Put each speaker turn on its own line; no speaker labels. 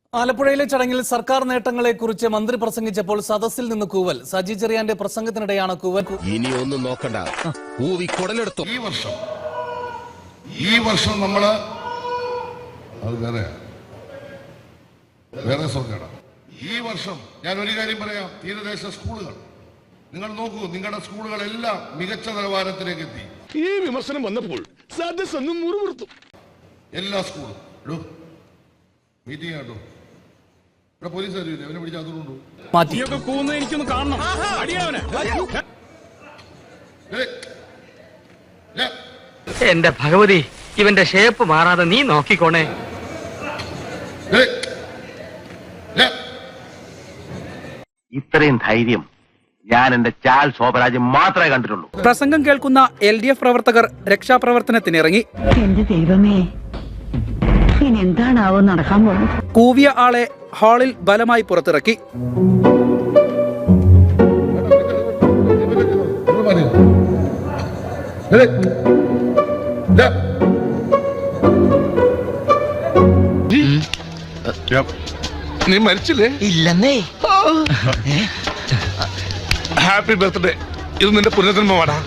ആലപ്പുഴയിലെ ചടങ്ങിൽ സർക്കാർ നേട്ടങ്ങളെക്കുറിച്ച് മന്ത്രി പ്രസംഗിച്ചപ്പോൾ സദസ്സിൽ നിന്ന് കൂവൽ. സജി ചെറിയാന്റെ പ്രസംഗത്തിനിടെയാണ് കൂവൽ.
ഇനി ഒന്നും നോക്കണ്ട, കൂവി കുടലെടുത്തു.
ഈ വർഷം നമ്മള് അത് വേറെ സർക്കാരാണ്. ഈ വർഷം ഞാൻ ഒരു കാര്യം പറയാം, തീരദേശ സ്കൂളുകൾ നിങ്ങൾ നോക്കൂ, നിങ്ങളുടെ സ്കൂളുകളെല്ലാം മികച്ച നിലവാരത്തിലേക്ക് എത്തി.
ഈ വിമർശനം വന്നപ്പോൾ സദസ്സൊന്നും മുറിവുറുത്തു. എല്ലാ സ്കൂളും
മീറ്റിംഗ് ആട്ടോ. ഇവിടെ പോലീസ് അറിയില്ല, അവനെ പിടിച്ച് അതുകൊണ്ടു
മാറ്റി.
എനിക്കൊന്ന് കാണണം.
എന്റെ ഭഗവതി, ഇവന്റെ ഷേപ്പ് മാറാതെ നീ നോക്കിക്കോണേ.
ഇത്രയും ധൈര്യം ഞാൻ എന്റെ ചാൽ ശോഭരാജ് മാത്രമേ കണ്ടിട്ടുള്ളൂ.
പ്രസംഗം കേൾക്കുന്ന LDF പ്രവർത്തകർ രക്ഷാപ്രവർത്തനത്തിനിറങ്ങി.
എന്റെ ദൈവമേ, ഇനി എന്താണാവോ നടക്കാൻ പോകുന്നത്?
കൂവിയ ആളെ ഹാളിൽ ബലമായി പുറത്തിറക്കി.
നീ മരിച്ചില്ലേ?
ഇല്ലെന്നേ.
Happy birthday. ഇത് നിന്റെ പുനർജന്മമാടാ.